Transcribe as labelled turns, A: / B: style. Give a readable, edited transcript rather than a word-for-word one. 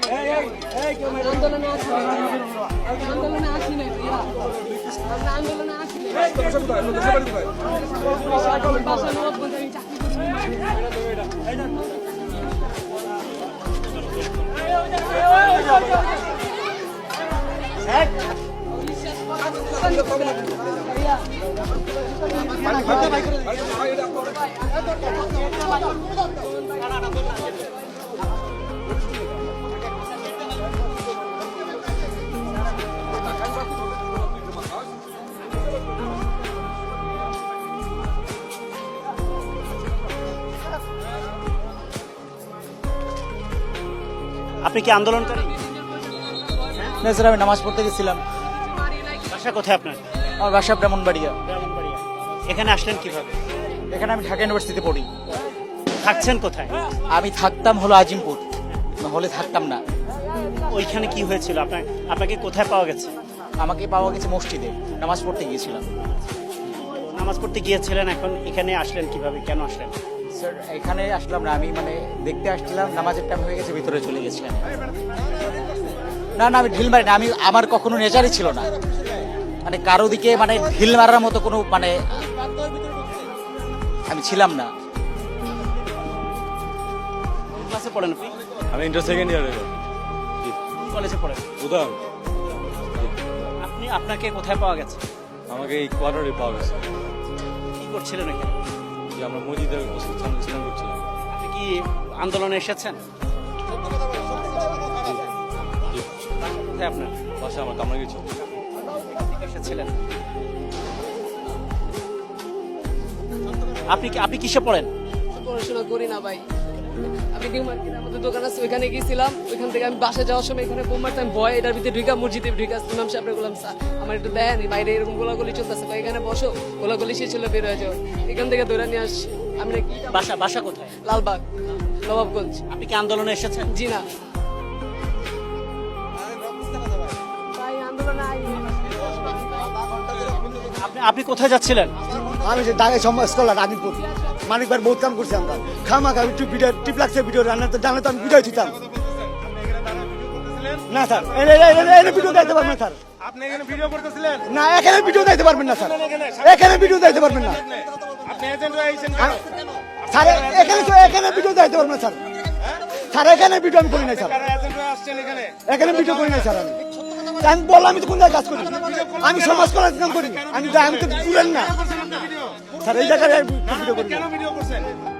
A: আন্দোলনে আসি আন্দোলনে আসি না আন্দোলনে আসি বাসা নবাবগঞ্জে আমি চাকরি
B: আপনি কি আন্দোলনকারী?
C: না স্যার, আমি নামাজ পড়তে গেছিলাম।
B: বাসা কোথায় আপনার?
C: আমার বাসা ব্রাহ্মণবাড়িয়া।
B: এখানে আসলেন কিভাবে?
C: এখানে আমি ঢাকা ইউনিভার্সিটিতে পড়ি।
B: থাকছেন কোথায়?
C: আমি থাকতাম হলো আজিমপুর, হলে থাকতাম না।
B: ওইখানে কি হয়েছিল? আপনাকে কোথায় পাওয়া গেছে?
C: আমাকে পাওয়া গেছে মসজিদে, নামাজ পড়তে গিয়েছিলাম।
B: নামাজ পড়তে গিয়েছিলেন, এখন এখানে আসলেন কিভাবে? কেন আসলেন?
C: স্যার এখানে আসলাম না, আমি দেখতে আসছিলাম, নামাজের টাইম হয়ে গেছে, ভিতরে চলে গেছিলাম। না না, আমি ঢিল মারি না, আমার কখনো নেচারই ছিল না কারো দিকে ঢিল মারার মতো কোনো আমি ছিলাম না।
B: ক্লাসে পড়েন আপনি?
D: আমি ইন্টার সেকেন্ড ইয়ারে।
B: কলেজে পড়েন?
D: বুঝলাম।
B: আপনাকে কোথায় পাওয়া গেছে?
D: আমাকে এই কোয়ার্টারে পাওয়া গেছে।
B: কি করছিলেন এখানে?
D: যে আমরা মসজিদের সামনে ছিলাম করছিলাম।
B: আপনি কি আন্দোলনে এসেছেন? কোথায় আপনার
D: বাসা? আমার কামরা গেছি।
B: এসেছিলেন? আপনি কিসে পড়েন?
A: পড়াশোনা করি না ভাই, আমি নিউ মার্কেটে আমাদের দোকান আছে, ওইখানে গেছিলাম। ওইখান থেকে আমি বাসা যাওয়ার সময় এখানে বোম মারতাম, ভয় এটার ভিতরে ঢুকা মসজিদে ঢুকা ইমাম সাহেব বললাম, স্যার আমার একটু দেন, বাইরে এরকম গোলাগুলি চলতেছে, এখানে বসো, গোলাগুলি শেষ হলে বের হয়ে যাও। এখান থেকে ধরে নিয়ে আসছি। আমি
B: বাসা কোথায়?
A: লালবাগ, নবাবগঞ্জ।
B: আপনি কি আন্দোলনে এসেছেন?
A: জি না ভাই, আন্দোলনে
B: আপনি কোথায় যাচ্ছিলেন?
E: আমি যে ঢাকায় স্কলার আজিমপুর মানিক ভাই বহুত কাম করছি আমরা। খামাখা একটু ভিডিও টিপ লাগছে, ভিডিও রান্না তো জানলে তো আমি ভিডিও দিতাম না স্যার। এনে ভিডিও দিতে পারবেন না স্যার।
F: আপনি এখানে ভিডিও করতেছিলেন?
E: না, এখানে ভিডিও দিতে পারবেন না স্যার, এখানে ভিডিও দিতে পারবেন না
F: আপনি এজেন্ট হয়ে আইছেন
E: স্যার। এখানে ভিডিও দিতে পারবেন না স্যার। স্যার এখানে ভিডিও আমি করি নাই স্যার,
F: কারা এজেন্ট হয়ে আসছেন এখানে?
E: এখানে ভিডিও করি নাই স্যার। আমি বললাম আমি তো কোন জায়গায় কাজ করি, আমি সমাজ করার কাম করি। আমি তো দূরেন না স্যার, এই জায়গায় ভিডিও করি।
F: কেন ভিডিও করছেন?